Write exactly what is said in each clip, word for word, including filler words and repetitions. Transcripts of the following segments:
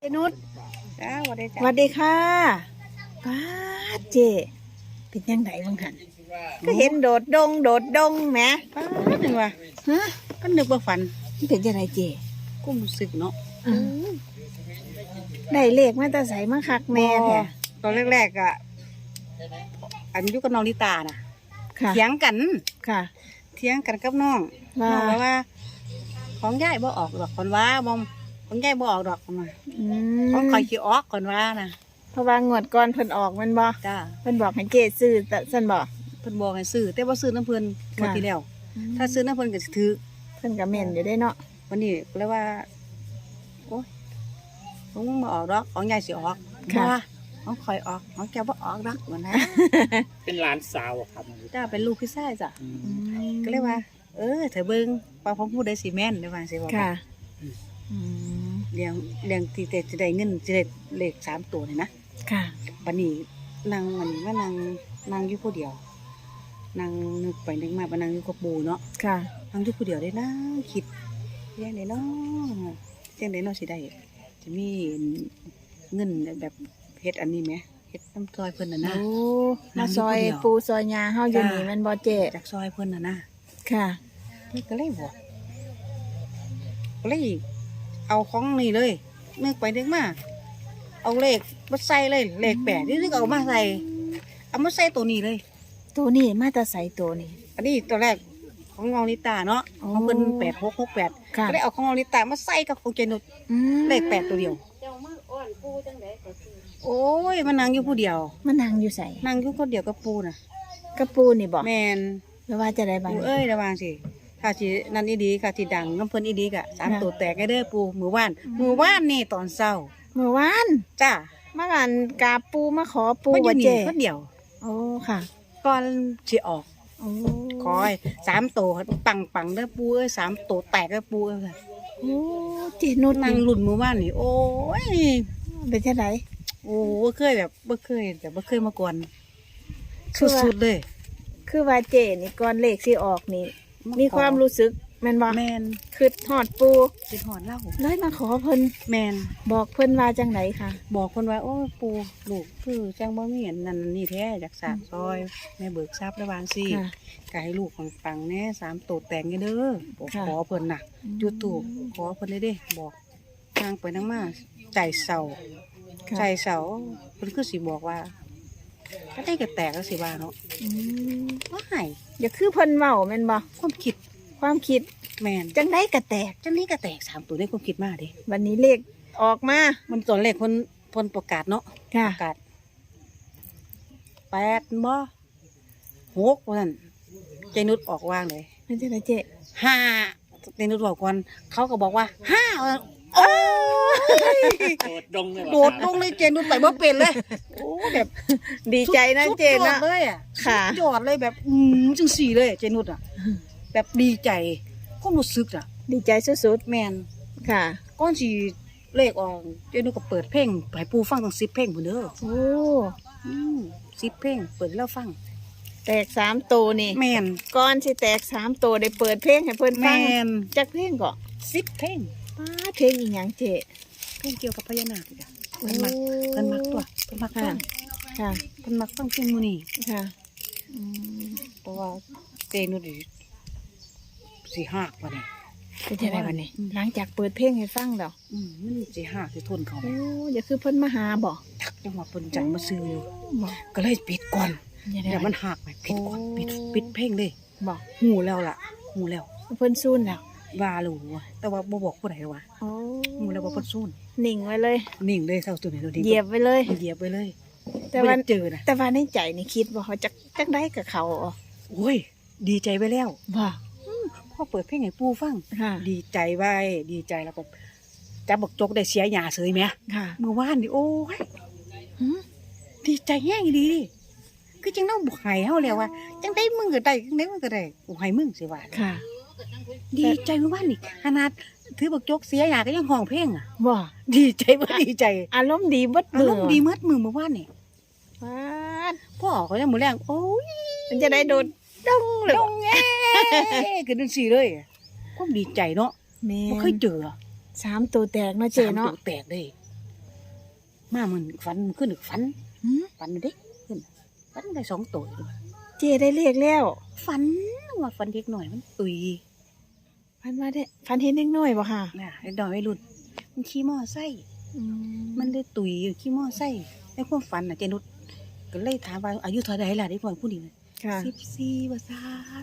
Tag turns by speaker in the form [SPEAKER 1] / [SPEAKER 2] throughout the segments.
[SPEAKER 1] นุช
[SPEAKER 2] จ้าสวัสดี
[SPEAKER 1] ส
[SPEAKER 2] จ้า
[SPEAKER 1] วัสดีค่ะป้าดเจเป็นยังไงบ้างหันก็เห็นโดดดงโดดดงแหม
[SPEAKER 2] ป้าหนึ่งว่ะ
[SPEAKER 1] ฮะ
[SPEAKER 2] ก็นึกว่าฝัน
[SPEAKER 1] มันเป็นยังไงเจ
[SPEAKER 2] กูรู้สึกเนาะ
[SPEAKER 1] อืมได้เลขมาแต่ใส่มาคักแม่แท้
[SPEAKER 2] ตอนแรกๆอ่ะอันอยุกับน้องลิตาน่ะ
[SPEAKER 1] ค่ะ
[SPEAKER 2] เถียงกัน
[SPEAKER 1] ค่ะ
[SPEAKER 2] เถียงกันกับน้อง
[SPEAKER 1] ว่า
[SPEAKER 2] น้องบอกว่า ของยายบ่ออกดอกคนว่าบอมของยายบ่ออกดอกคนว่า
[SPEAKER 1] อื
[SPEAKER 2] ของ
[SPEAKER 1] ม
[SPEAKER 2] คอยขี้ออกคนว่านะ
[SPEAKER 1] เพราะว่างวดก่อนเพิ่นออกแมันบ่
[SPEAKER 2] จ้า
[SPEAKER 1] เพิ่นบอกให้เจซื้อแต่ซั่นบ่
[SPEAKER 2] เพิ่นบอกให้ซื้อแต่ว่าซื้อน้ำเพิ่นหมด
[SPEAKER 1] ค่ะ
[SPEAKER 2] ทีแล้ว ถ้าซื้อน้ำเพิ่นก็สิถือ
[SPEAKER 1] เพิ่นก็แม่นอยู่ได้เนาะ
[SPEAKER 2] วันนี้ก็เลยว่าโอ้ยของมึงมาออกดอกของยายสิออก
[SPEAKER 1] ค่ะ
[SPEAKER 2] บ่ของคอยออกของแกบ่ออกดอกวันนะ
[SPEAKER 3] เป็นหลานสาวอะครับ
[SPEAKER 2] จ้าเป็นลูกพี่ชายจ้ะ
[SPEAKER 3] อืม
[SPEAKER 1] อืม
[SPEAKER 2] ก็เลยว่า เออเธอเบิ่งว่าผมพูดได้สิแม่นได้ว่าสิว่า
[SPEAKER 1] ค่ะอืม
[SPEAKER 2] เลี้ยงเลี้ยงที่แต่จะได้เงินจะได้เลขสามตัวนี่นะ
[SPEAKER 1] ค่ะ
[SPEAKER 2] บัดนี้นางมันว่านางนางอยู่ผู้เดียวนางนึกไปนึกมาว่านางอยู่กับปู่เนาะ
[SPEAKER 1] ค่ะ
[SPEAKER 2] นางอยู่ผู้เดียวได้นะคิดเลี้ยงได้เนาะจังได๋เนาะสิได้จะมีเงินแบบเฮ็ดอันนี้ไหมเฮ็ดน้ำซอยเพิ่นน่ะนะ
[SPEAKER 1] โอ้
[SPEAKER 2] นั่
[SPEAKER 1] มาง
[SPEAKER 2] อยู่
[SPEAKER 1] ซอย
[SPEAKER 2] ผู้เดียว
[SPEAKER 1] ปูซอยยาเฮาอยู่
[SPEAKER 2] จ้า
[SPEAKER 1] นี่แมันบ่เจ
[SPEAKER 2] จากซอยเพิ่นน่ะนะ
[SPEAKER 1] ค่ะ
[SPEAKER 2] นี่ก็เลยบอกก็เลยเอาของนี่เลยนึกไปนึกมาเอาเลขมาใส่เลยเลขแปดนี่นึกเอามาใส่เอามาใส่ตัวนี้เลย
[SPEAKER 1] ตัวนี้มาแตาใสตัวนี้
[SPEAKER 2] อันนี้ตัวแรกของน้องลิตาเนาะ
[SPEAKER 1] โอ้
[SPEAKER 2] ของเพิ่นแปดหกหกแปด
[SPEAKER 1] ค่ะ
[SPEAKER 2] ก็เลยเอาของน้องลิตามาใส่กับของเจนุช
[SPEAKER 1] อืม
[SPEAKER 2] เลขแปดตัวเดียวโอ้ยมันนั่งอยู่ผู้เดียว
[SPEAKER 1] มันนั่งอยู่ใส่
[SPEAKER 2] นั่งอยู่คนเดียวกับปูน่ะ
[SPEAKER 1] กระปูนี่บ่
[SPEAKER 2] แมน
[SPEAKER 1] แล้วว่าจะได้บ้าง
[SPEAKER 2] ปูเอ้ยระวังสิค่ะสินั่นอีดีค่ะสิดังน้ำเพิ่นอีดีกะสามตัวแตกได้เด้อปูมือว่านมือว่านนี่ตอนเช้า
[SPEAKER 1] เมื่อวาน
[SPEAKER 2] จ้า
[SPEAKER 1] มากันกราบปูมาขอปู
[SPEAKER 2] มันอยู่
[SPEAKER 1] ว่า
[SPEAKER 2] นี่
[SPEAKER 1] เจ
[SPEAKER 2] คนเดียว
[SPEAKER 1] โอ้ค่ะ
[SPEAKER 2] ก่อนสิออก
[SPEAKER 1] โอ้
[SPEAKER 2] คอยสามตัวปังปังเด้อปูเอ้ยสามตัวแตกเด้อปูเอ้ย
[SPEAKER 1] โอ้เจนุช
[SPEAKER 2] นั่งรุ่นมือว่านนี่โอ้ย
[SPEAKER 1] เป็นจังได
[SPEAKER 2] โอ้บ่เคยแบบบ่เคยแบบบ่เคยมาก่อนสุดๆเลย
[SPEAKER 1] คือว่าเจนี่ก่อนเลขสิออกนี่ มีความรู้สึกแม่นบ่
[SPEAKER 2] แมน
[SPEAKER 1] คือฮอดปู
[SPEAKER 2] สิหอดเล่า
[SPEAKER 1] เลยมาขอเพิ่น
[SPEAKER 2] แมน
[SPEAKER 1] บอกเพิ่นว่าจังไดค่ะ
[SPEAKER 2] บอกคนว่าโอ้ยปูลูกคือจังบ่มีอันนั่นนี่แท้จากสากซอยแม่เบิกทรัพย์ระวางสิ
[SPEAKER 1] ค่ะ
[SPEAKER 2] ก็ให้ลูกของปังแน่สามตัวแตงไงเด้อบอก
[SPEAKER 1] ค่ะ
[SPEAKER 2] ขอเพิ่นน่ะจุดตูบขอเพิ่นได้เด้บอกทางไปนั่งมาใจเศร้า
[SPEAKER 1] ค่ะ
[SPEAKER 2] ใจเศร้าเพิ่นคือสิบอกว่าก็ได้ก็แตกแล้วสิว่าเนาะ
[SPEAKER 1] อืม
[SPEAKER 2] ว่าให้
[SPEAKER 1] อย่าคือเพิ่นเว้าแม่นบ่
[SPEAKER 2] ความคิด
[SPEAKER 1] ความคิด
[SPEAKER 2] แม่น
[SPEAKER 1] จังไดก็แตก
[SPEAKER 2] จังนี้ก็แตกสามตัวได้ความคิดมาเด้
[SPEAKER 1] วันนี้เลขออกมา
[SPEAKER 2] มันตอนแรกเพิ่นเพิ่นประกาศเนาะ
[SPEAKER 1] ค่ะ
[SPEAKER 2] ประกาศแปดบ่หกว่าซั่นใจนุชออกวางเลย
[SPEAKER 1] มันจะได้เจ๊
[SPEAKER 2] ห้าเจนุชบอกก่อนเขาก็บอกว่าห้าโอ้ย
[SPEAKER 3] โดดดงเลย
[SPEAKER 2] โดดลงเลยเจนุชไปบ่เป็นเลยโอ้แบบ
[SPEAKER 1] ดีใจนะ
[SPEAKER 2] สุด
[SPEAKER 1] เจ๊
[SPEAKER 2] ยอ
[SPEAKER 1] นะ
[SPEAKER 2] ดเลยอ่ะ
[SPEAKER 1] ค่ะ
[SPEAKER 2] สุดยอดเลยแบบอืมจังสี่เลยเจนุชอ่ะ แบบดีใจความรู้สึกอ่ะ
[SPEAKER 1] ดีใจสุด
[SPEAKER 2] แมน
[SPEAKER 1] ๆค่ะ
[SPEAKER 2] ก้อนสีเลขออกเจนุชก็เปิดเพลงให้ปูฟังตั้งสิบเพลงพุ่นเด้อ
[SPEAKER 1] โอ้
[SPEAKER 2] อืมสิบเพลงเปิดให้เราฟัง
[SPEAKER 1] แตกสามตัวนี่
[SPEAKER 2] แมน
[SPEAKER 1] ก่อนสิแตกสามตัวได้เปิดเพลงให้เพิ่น
[SPEAKER 2] แม
[SPEAKER 1] ฟัง
[SPEAKER 2] น
[SPEAKER 1] จักเพลงก็
[SPEAKER 2] สิบเพลง
[SPEAKER 1] ป้าเพลงอีหยังเจ๊
[SPEAKER 2] เพลงเกี่ยวกับพญานาคอีกอ่ะเพิ่นมักเพิ่นมักตัวเพิ่นมักฟั
[SPEAKER 1] ค่ะ
[SPEAKER 2] ง
[SPEAKER 1] ค่ะ
[SPEAKER 2] เพิ่นมักฟังเพลงมื้อนี้
[SPEAKER 1] ค่ะอืม
[SPEAKER 2] เพราะว่าเจนุชนี่สิหักว่านี่
[SPEAKER 1] เป็นจังไดบัดนี้ หลังจากเปิดเพลงให้ฟังแล้ว
[SPEAKER 2] อืมมันสิหักสิทนเขา
[SPEAKER 1] โอ้อย่าคือเพิ่นมาหาบ่
[SPEAKER 2] ทักจังหวะเพิ่นจังมาซื้ออยู่
[SPEAKER 1] บ่
[SPEAKER 2] ก็เลยปิดก่อน
[SPEAKER 1] อย่าได้
[SPEAKER 2] เดี๋ยวมันหักไปปิดก่อนปิดปิดเพลงเลย
[SPEAKER 1] บ่
[SPEAKER 2] หูแล้วล่ะหูแล้ว
[SPEAKER 1] เพิ่นซูนแล้ว
[SPEAKER 2] ว่ารู้ว่าแต่ว่าบ่บอกผู้ใดว่า
[SPEAKER 1] โอ้
[SPEAKER 2] หูแล้วว่าเพิ่นซูน
[SPEAKER 1] นิ่งไว้เลย
[SPEAKER 2] นิ่งเลยเท่าตัวนี้ตัวนี้
[SPEAKER 1] เหยียบไว้เลย
[SPEAKER 2] เหยียบไปเลย
[SPEAKER 1] แต่
[SPEAKER 2] บ่
[SPEAKER 1] ว่า
[SPEAKER 2] ได้เจอนะ
[SPEAKER 1] แต่ว่าในใจนี่คิดว่าเขาจะจักได้กับเขาอ๋อ
[SPEAKER 2] โอ้ยดีใจไปแล้ว
[SPEAKER 1] ว่า
[SPEAKER 2] พอเปิดเพลงให้ปู่ฟัง
[SPEAKER 1] ค่ะ
[SPEAKER 2] ดีใจไว้ดีใจแล้วก็จับบักจกได้เสียหญ้าเสยแหม
[SPEAKER 1] ค่ะ
[SPEAKER 2] เมื่อวานนี่โอ้ย
[SPEAKER 1] หืม
[SPEAKER 2] ดีใจแห้งดีดิคือจังต้องบอกให้เฮาแล้วว่าจังได้มึงก็ได้จังได้มึงก็ได้กูให้มึงสิว่า
[SPEAKER 1] ค่ะ
[SPEAKER 2] ดีใจเมื่อวานนี่ขนาดถือบักจกเสียหญ้าก็ยังห้องเพลงอ่ะ
[SPEAKER 1] ว่า
[SPEAKER 2] ดีใจบ่ดีใจ
[SPEAKER 1] อารมณ์ดีเบิด
[SPEAKER 2] อา
[SPEAKER 1] มือ
[SPEAKER 2] รมณ์ดีเมื่อมือเมื่อวานนี่
[SPEAKER 1] ว้าด
[SPEAKER 2] พ่อเขายังมือแรงโอ้ย
[SPEAKER 1] มันจะได้โดดดงเลย
[SPEAKER 2] ดงแง่คือจังซี่เลยความดีใจเนาะ
[SPEAKER 1] แม่
[SPEAKER 2] บ่เคยเจอ
[SPEAKER 1] สามตัวแตกเนาะเจ
[SPEAKER 2] สาม
[SPEAKER 1] เนาะ
[SPEAKER 2] ตัวแตกเลยมามันฝันขึ้นอีกฝัน
[SPEAKER 1] หืม
[SPEAKER 2] ฝันเด็กขึ้นฝันได้สองตัวเลย
[SPEAKER 1] เจได้เลขแล้ว
[SPEAKER 2] ฝันว่าฝันเด็กหน่อยมันตุย
[SPEAKER 1] พันว่าได้พันเห็นเด็กน้อยบ่ค่ะ
[SPEAKER 2] น่ะไอ้ดอยไอ้รุ่นมันขี่มอไซค์
[SPEAKER 1] อื
[SPEAKER 2] มันได้ตุยอยู่ขี่มอไซค์ในความฝันน่ะเจนุชก็เลยถามว่าอายุเท่าไหร่ล่ะเด็กน้อยผู้นี้
[SPEAKER 1] ค่ะ
[SPEAKER 2] สิบสี่ว่าซาน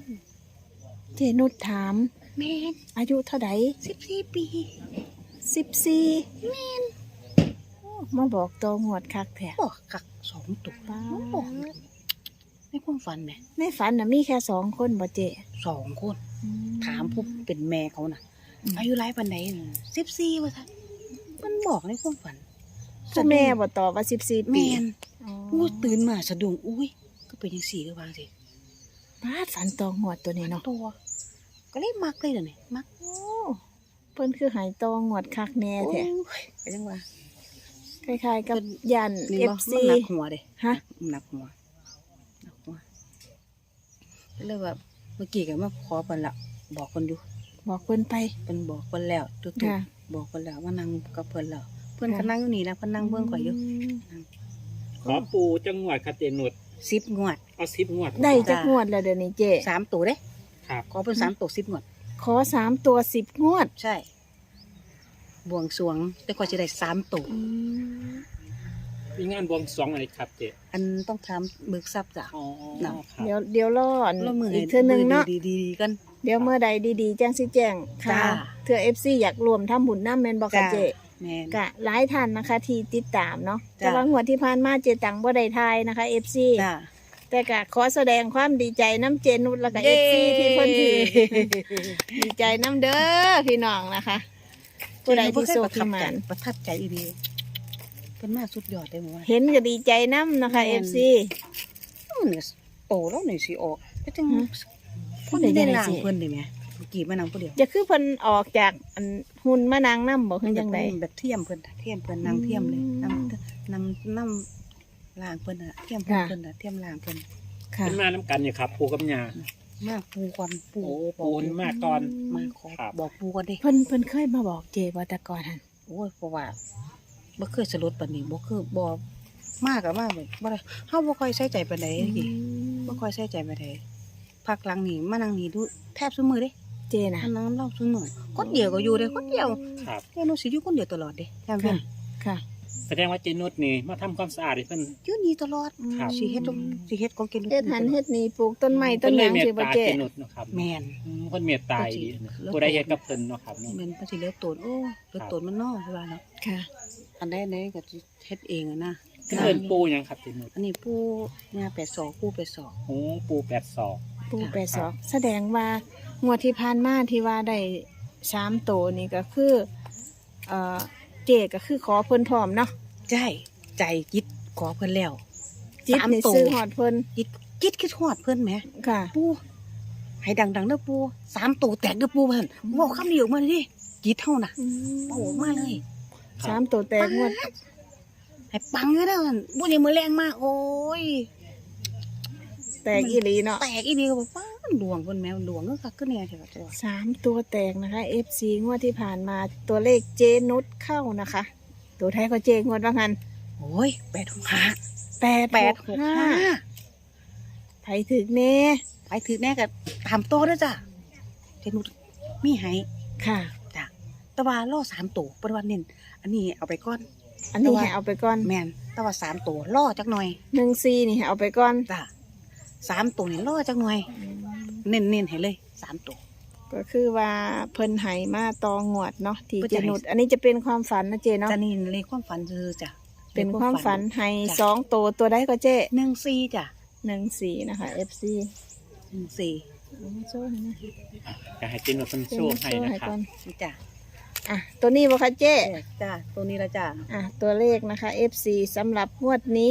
[SPEAKER 1] เจนุชถาม
[SPEAKER 2] แม่น
[SPEAKER 1] อายุเท่าใด
[SPEAKER 2] สิบสี่ปี
[SPEAKER 1] สิบสี่แม่นมาบอกตัวงวดคักแท้
[SPEAKER 2] บอกกักสองตัว
[SPEAKER 1] ป้า
[SPEAKER 2] บอกในความฝันแหม่
[SPEAKER 1] ในฝันน่ะมีแค่สองคนบ่เจ
[SPEAKER 2] สองคน
[SPEAKER 1] อื
[SPEAKER 2] ถามผู้เป็นแม่เขาน่ะ
[SPEAKER 1] อืม
[SPEAKER 2] อายุไรปันไหนสิบสี่ว่าซานมันบอกในความฝัน
[SPEAKER 1] ผู้แม่บ่ตอบว่าสิบสี่ปี
[SPEAKER 2] แม่น
[SPEAKER 1] อ๋อ
[SPEAKER 2] อู้ตื่นมาสะดุ้งอุ้ยก็เป็นยังสี่ก็วางสิ
[SPEAKER 1] บาดฝันตองงวดตัวนี้เนาะ
[SPEAKER 2] ตัว ก็เลยมักเลยเดี๋ยวนี้มัก
[SPEAKER 1] โอ้เพิ่นคือใหายตองงวดคักแน่แท้
[SPEAKER 2] โอ้ยก็ยังว่า
[SPEAKER 1] คล้ายๆกับยัน
[SPEAKER 2] นี่
[SPEAKER 1] เอ
[SPEAKER 2] บ่
[SPEAKER 1] ฟ
[SPEAKER 2] มัน
[SPEAKER 1] ซี
[SPEAKER 2] หนักหัวเด้
[SPEAKER 1] ฮะ
[SPEAKER 2] มันหนักหัวหนักหัวก็เลยว่าเมื่อกี้ก็มาขอเพิ่นละบอกเพิ่นอยู่
[SPEAKER 1] บอกเพิ่นไป
[SPEAKER 2] เพิ่นบอกเพิ่นแล้วตุ๊ก
[SPEAKER 1] ค่ะ
[SPEAKER 2] ๆบอกเพิ่นแล้วว่านั่งกับเพิ่นแล้วเพิ่นก็
[SPEAKER 1] ค่ะ
[SPEAKER 2] นั่งอยู่นี่นะเพิ่นนั่งเบิ่งข่อยอยู่
[SPEAKER 1] ม
[SPEAKER 3] ขอปูจังหวัดครับเจนุช
[SPEAKER 2] สิบงวด
[SPEAKER 3] เอาสิบงวด
[SPEAKER 1] ได้จักงวดแล้วเดี๋ยวนี้เจ
[SPEAKER 2] สามตัวเด้
[SPEAKER 3] ครับ
[SPEAKER 2] ขอเพิ่นสามตัวสิบงวด
[SPEAKER 1] ขอสามตัวสิบงวด
[SPEAKER 2] ใช่ บวงสรวงแต่ข่อยสิได้สามตัว
[SPEAKER 3] มีงานบวงสรวงอะไรครับเจ
[SPEAKER 2] อันต้องถามเบิกทรัพย์จ้ะ
[SPEAKER 3] อ๋อ
[SPEAKER 2] น่ะ
[SPEAKER 3] ครับ
[SPEAKER 1] เดี๋ยวเดี๋ยวรออัน
[SPEAKER 2] แล้วมือ
[SPEAKER 1] อีกเทื่อนึงเนาะ
[SPEAKER 2] ดีๆๆกัน
[SPEAKER 1] เดี๋ยวเมื่อใดดีๆแจ้งสิแจ้งค่ะ
[SPEAKER 2] จ้า
[SPEAKER 1] เทื่อ เอฟ ซี อยากรวมทำบุญน้ำแม่นบ่ค่ะ
[SPEAKER 2] จ้า
[SPEAKER 1] เจ
[SPEAKER 2] แม่น
[SPEAKER 1] กะหลายท่านนะคะที่ติดตามเนาะ
[SPEAKER 2] จ้า
[SPEAKER 1] แต่ว่างวดที่ผ่านมาเจตังบ่ได้ทายนะคะ เอฟ ซี
[SPEAKER 2] จ้า
[SPEAKER 1] แต่กะขอแสดงความดีใจน้ำเจนุชแล้วก็ เอฟ ซี ที่เพิ่นถือ ดีใจน้ำเด้อพี่น้องนะคะ ผู้ใดที่โชคที่หมาน
[SPEAKER 2] ประทับใจอีดีเป็นมากสุดยอดเลยหมว่า
[SPEAKER 1] เห็นก็ดีใจน้ำนะคะ
[SPEAKER 2] แม่
[SPEAKER 1] เอน ฟซี
[SPEAKER 2] มันเนี่ยโตแล้วนี่สิออกก็จัง
[SPEAKER 1] ฮะ
[SPEAKER 2] คนที่ได้ล่างเพิ่นได้ไหมเมื่อกี้มานั่งผู้เดียว
[SPEAKER 1] จะคือเพิ่นออกจากอันหุ่นมานางน้ำบอกคือจังได
[SPEAKER 2] แบบเทียมเพิ่นน่ะเทียมเพิ่นนั่งเทียมเลย
[SPEAKER 1] อืม
[SPEAKER 2] นั่งนั่งนั่งล่างเพิ่นน่ะเทียมเพิ่น
[SPEAKER 1] ค่ะ
[SPEAKER 2] เพิ่นน่ะเทียมล่างเพิ่น
[SPEAKER 1] ค่ะ
[SPEAKER 3] เป็นมาน้ำกันเนี่ยครับ ปูกับยา
[SPEAKER 2] มาปูก่อนปู
[SPEAKER 3] โอ้ปูนมากก่อน
[SPEAKER 2] มาขอ
[SPEAKER 3] ครับ
[SPEAKER 2] บอกปูก่อนดิ
[SPEAKER 1] เพิ่นเพิ่นเคยมาบอกเจบ่แต่ก่อนหัน
[SPEAKER 2] โอ้ยเพราะว่าบ่เคยสลดปานนี้บ่คือบ่มากกับมากแบบบ่ได้เฮาบ่ค่อยใส่ใจปานใดอีบ่ค่อยใส่ใจปานใดพักหลังนี่มานั่งนี่ดูแทบซุมื้อเด้
[SPEAKER 1] เจนะ
[SPEAKER 2] มานั่งเล่าซุมื้อคนเดียวก็อยู่เด้คนเดียว
[SPEAKER 3] ครับ
[SPEAKER 2] แกหนูสิอยู่คนเดียวตลอดเด้จำเป็
[SPEAKER 1] ค่ะ
[SPEAKER 2] น
[SPEAKER 1] ค่ะ
[SPEAKER 3] แสดงว่าเจนุชนี่มาทำความสะอาดให้เพิ่น
[SPEAKER 2] อยู่นี่ตลอด
[SPEAKER 3] ครับ
[SPEAKER 2] สิเฮ็ดของสิเฮ็ดของแกหนู
[SPEAKER 1] เฮ็ดหันเฮ็ดนี่ปลูกต้นไม้ต้น
[SPEAKER 3] เพิ่
[SPEAKER 1] หยัง
[SPEAKER 3] เม
[SPEAKER 1] สิ
[SPEAKER 3] ต
[SPEAKER 1] บ่
[SPEAKER 3] ตา
[SPEAKER 1] เจ
[SPEAKER 3] เจนุชเนาะครับ
[SPEAKER 2] แม่น
[SPEAKER 3] อืมเพิ่นเมตตาดีนะ
[SPEAKER 2] แล้ว
[SPEAKER 3] ผู้ใดเฮ็ดกับเพิ่นเนาะครับเนาะ
[SPEAKER 2] แม่นมันสิเหลือโตนโอ้เหลือโตนมันน้อยคือว่าเนาะ
[SPEAKER 1] ค่ะ
[SPEAKER 2] อันใดไหนก็สิเฮ็ดเองอะนะ
[SPEAKER 3] เพิ่นปูหยังครับเจนุช
[SPEAKER 2] อันนี้ปู่ย่าแปดศอกปู่แปดศอก
[SPEAKER 3] โอ้ปูแปดศอก
[SPEAKER 1] ปู
[SPEAKER 2] ค่ะ
[SPEAKER 1] แปดศอกแสดงว่างวดที่ผ่านมาที่ว่าได้สามโตวนี่ก็คือเอ่อเจก็คือขอเพิ่นพร้อมเนาะ
[SPEAKER 2] ใจใจจิตขอเพิ่นแล้ว
[SPEAKER 1] จิต
[SPEAKER 2] สาม
[SPEAKER 1] นี่
[SPEAKER 2] ตัว
[SPEAKER 1] ซื้อฮอดเพิ่น
[SPEAKER 2] จิตจิตคิดฮอดเพิ่นแหม
[SPEAKER 1] ค่ะ
[SPEAKER 2] ปูให้ดังๆเด้อปูสามตัวแตกเด้อปูเพิ่นเว้าคำเดียวมาเลยดิจิตเฮาน่ะเว้าออกมาเลย
[SPEAKER 1] สามตัวแตกงวด
[SPEAKER 2] ให้ปังเลยเด้อหั่นบ่ได้มือแรงมากโอ้ย
[SPEAKER 1] แตกอีหลีเนาะ
[SPEAKER 2] แตกอีเดียวบอกว่าดวงเพิ่นแมวดวงก็คักคือแน่เถอะจ้ะ
[SPEAKER 1] สามตัวแตกนะคะ เอฟ ซี งวดที่ผ่านมาตัวเลขเจนุชเข้านะคะ ตัวไทายก็เจงวดว่างัน
[SPEAKER 2] โอ้ยแปดหกห้า
[SPEAKER 1] แปด
[SPEAKER 2] แปด
[SPEAKER 1] ห
[SPEAKER 2] ห
[SPEAKER 1] ก
[SPEAKER 2] ก
[SPEAKER 1] ห้า
[SPEAKER 2] ห้า
[SPEAKER 1] ไผถึกเน่
[SPEAKER 2] ไปถือแน่ก็ตามโตเด้อจ้ะเทนุมีให้
[SPEAKER 1] ค่ะ
[SPEAKER 2] จ้ะแต่ว่าล่อสามตัวปฏิวัติเน้นอันนี้เอาไปก่อน
[SPEAKER 1] อันนี้ให้เอาไปก่อน
[SPEAKER 2] แม่นแต่ว่าสามตัวล่อจักหน่อย
[SPEAKER 1] หนึ่งซีนี่ให้เอาไปก่อน
[SPEAKER 2] จ้ะสามตัวนี่ล่อจักหน่อย เน้นเน้นๆให้เลยสามตัว
[SPEAKER 1] ก็คือว่าเพิ่นไหมาตองวดเนาะที่
[SPEAKER 2] เพิ่น
[SPEAKER 1] เจ
[SPEAKER 2] จะให้
[SPEAKER 1] นุชอันนี้จะเป็นความฝันนะเจเนาะ
[SPEAKER 2] จะนี่ในความฝันคือจ้ะ
[SPEAKER 1] เป็นความฝันให้
[SPEAKER 2] จ้ะ
[SPEAKER 1] สองตัวตัวได้ก็เจ
[SPEAKER 2] หนึ่งสี่จ้ะ
[SPEAKER 1] หนึ่งสี่นะคะ เอฟ ซี
[SPEAKER 2] หนึ่งสี่
[SPEAKER 1] โซ่ให้นะ
[SPEAKER 3] อยากให้เจนุชเพิ่น
[SPEAKER 1] เจ
[SPEAKER 3] โช
[SPEAKER 1] นุ
[SPEAKER 3] ว์
[SPEAKER 1] ช
[SPEAKER 3] ให้
[SPEAKER 1] โซ่
[SPEAKER 3] นะ
[SPEAKER 1] ให้
[SPEAKER 3] ครั
[SPEAKER 1] ก่
[SPEAKER 3] บ
[SPEAKER 1] อน
[SPEAKER 2] นี่จ้ะ
[SPEAKER 1] อ่ะตัวนี้บ่คะเจ
[SPEAKER 2] จ้ะตัวนี้ละจ้ะ
[SPEAKER 1] อ่ะตัวเลขนะคะ เอฟ ซี สำหรับงวดนี้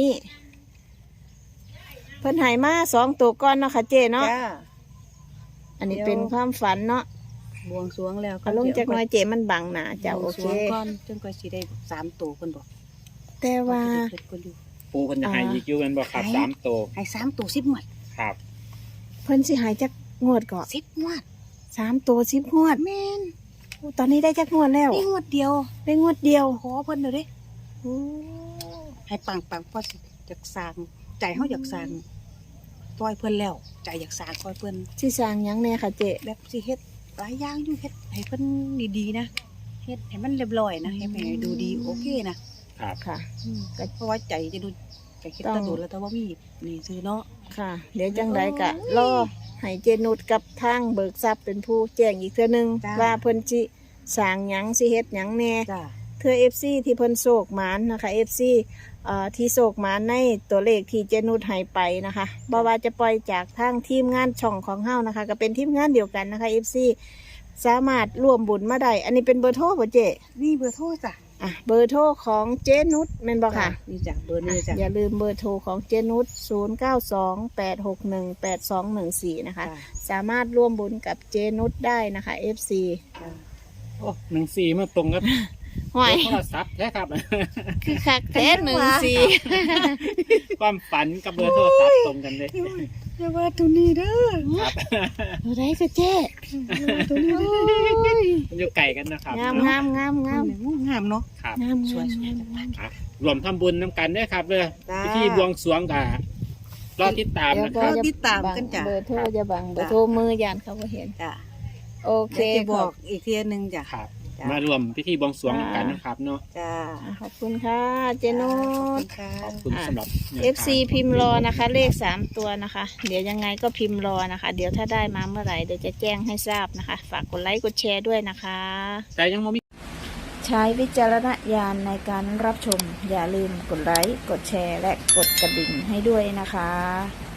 [SPEAKER 1] เพิ่นไหมาสองตัวก้อนเนาะค่ะเจเนาะ
[SPEAKER 2] จ้ะ
[SPEAKER 1] อันนี้เป็นความฝันเนาะ
[SPEAKER 2] บวงสรวงแล้ว
[SPEAKER 1] เอาลงจากหน้อยเจมันบังหนาเจ้า
[SPEAKER 2] บ
[SPEAKER 1] โอ
[SPEAKER 2] วงส
[SPEAKER 1] เค
[SPEAKER 2] รวงก่อนจนกว่าสิได้สามตัวคนบอก
[SPEAKER 1] แต่ว่า
[SPEAKER 2] เพิ่นก็อยู่
[SPEAKER 3] ปูเพิ่นจะให้อีกอยู่แม่นบ่ครับ
[SPEAKER 2] ให้
[SPEAKER 3] สามตัว
[SPEAKER 2] ให้สามตัวสิบหมวด
[SPEAKER 3] ครับ
[SPEAKER 1] เพิ่นสิหายจากงวดก่อน
[SPEAKER 2] สิบหมวด
[SPEAKER 1] สามตัวสิบงวด
[SPEAKER 2] แม่น
[SPEAKER 1] โอ้ตอนนี้ได้จากงวดแล้ว
[SPEAKER 2] นี่งวดเดียว
[SPEAKER 1] ได้งวดเดียว
[SPEAKER 2] ขอเพิ่นเดี๋ยวดิ
[SPEAKER 1] โอ้
[SPEAKER 2] ให้ปังปังเพราะสิอยากสร้างใจเฮาอยากสร้างซอยเพิ่นแล้วใจอยากสร้างซอยเพิ่น
[SPEAKER 1] ที่สร้างหยังแน่ค่ะเจ๊
[SPEAKER 2] แบบสิเฮ็ดหลายอย่างอยู่เฮ็ดให้เพิ่นดีๆนะเฮ็ดให้มันเรียบร้อยนะให้แม่ดูดีโอเคนะครับ
[SPEAKER 1] ค่ะ
[SPEAKER 2] อืมก็เพราะว่าใจจะดูใจคิดตะโดดแล้วแต่ว่ามีนี่ซื้อเนาะ
[SPEAKER 1] ค่ะ เดี๋ยวจังไดกะรอให้เจนุชกับทางเบิกทรัพย์เป็นผู้แจ้งอีกเทื่อนึงว่าเพิ่นสิสร้างหยังสิเฮ็ดหยังแน่
[SPEAKER 2] จ้า
[SPEAKER 1] เทื่อ เอฟ ซี ที่เพิ่นโศกหมานนะคะ เอฟ ซี เอ่อที่โศกหมานในตัวเลขที่เจนุชให้ไปนะคะบ่ว่าจะปล่อยจากทางทีมงานช่องของเฮานะคะ ก็เป็นทีมงานเดียวกันนะคะ เอฟ ซี สามารถร่วมบุญมาได้อันนี้เป็นเบอร์โทรบ่เจ๊
[SPEAKER 2] นี่เบอร์โทรจ้ะ
[SPEAKER 1] อ่ะเบอร์โทรของเจนุชแม่นบ่ค่ะ
[SPEAKER 2] นี่จ้ะเบอร์นี้จ้ะ
[SPEAKER 1] อย่าลืมเบอร์โทรของเจนุชศูนย์ เก้า สอง แปด หก หนึ่ง แปด สอง หนึ่ง สี่นะคะ
[SPEAKER 2] จ้ะ
[SPEAKER 1] สามารถร่วมบุญกับเจนุชได้นะคะ เอฟ ซี
[SPEAKER 2] จ้ะ
[SPEAKER 3] โอ้หนึ่งสี่มาตรงกับ
[SPEAKER 1] ห่วย
[SPEAKER 3] โทรศัพท์แท้ครับ
[SPEAKER 1] คือคักแท้หนึ่งสี่
[SPEAKER 3] ความฝันกับเบอร์โทรศัพท์ตรงกันเลย
[SPEAKER 2] อย่าว่าตัวนี้เด้อ
[SPEAKER 3] ครับ
[SPEAKER 1] ตัวได้ก็เจ๊
[SPEAKER 2] อย่าว่าตัวนี้เด้อ
[SPEAKER 3] มันอยู่ไก่กันนะครับ
[SPEAKER 1] งามงามงามงาม
[SPEAKER 2] งามเนาะ
[SPEAKER 3] ครับ
[SPEAKER 1] งาม
[SPEAKER 2] สวย
[SPEAKER 1] งาม
[SPEAKER 2] ๆ
[SPEAKER 3] ครับรวมทำบุญน้ำกันด้วยครับเลย
[SPEAKER 2] จ้า
[SPEAKER 3] พิธีบวงสรวงกับรอติดตาม
[SPEAKER 1] เดี๋ยว
[SPEAKER 3] นะ
[SPEAKER 1] ก็
[SPEAKER 3] ครับ
[SPEAKER 1] จะ
[SPEAKER 2] ติดตามกันจ้ะ
[SPEAKER 1] เบอร์โทรจะบังเบอ
[SPEAKER 2] จ้ะ
[SPEAKER 1] ร์โทรมือยานเขาก็เห็น
[SPEAKER 2] จ้ะ
[SPEAKER 1] โอเค
[SPEAKER 2] เดี๋ยวจะบอก
[SPEAKER 1] ข
[SPEAKER 2] อีกเทียหนึงจ้ะ
[SPEAKER 3] ครับ
[SPEAKER 2] จ้ะ
[SPEAKER 3] มารวมพิธีบวงสรวงกันนะครับเนาะ
[SPEAKER 2] จ้า
[SPEAKER 1] อบขอบคุณค่ะ เจนุ
[SPEAKER 2] ขอบคุ
[SPEAKER 1] ช
[SPEAKER 2] ณค่ะ
[SPEAKER 3] ขอบคุณสำหรับแนวทาง
[SPEAKER 1] เอฟ ซี พิมพ์รอนะคะ เลขสามตัวนะคะ เดี๋ยวยังไงก็พิมพ์รอนะคะ เดี๋ยวถ้าได้มาเมื่อไหร่เดี๋ยวจะแจ้งให้ทราบนะคะ ฝากกดไลค์กดแชร์ด้วยนะคะ
[SPEAKER 3] แต่ยังไม่มี
[SPEAKER 1] ใช้วิจารณญาณในการรับชม อย่าลืมกดไลค์กดแชร์และกดกระดิ่งให้ด้วยนะคะ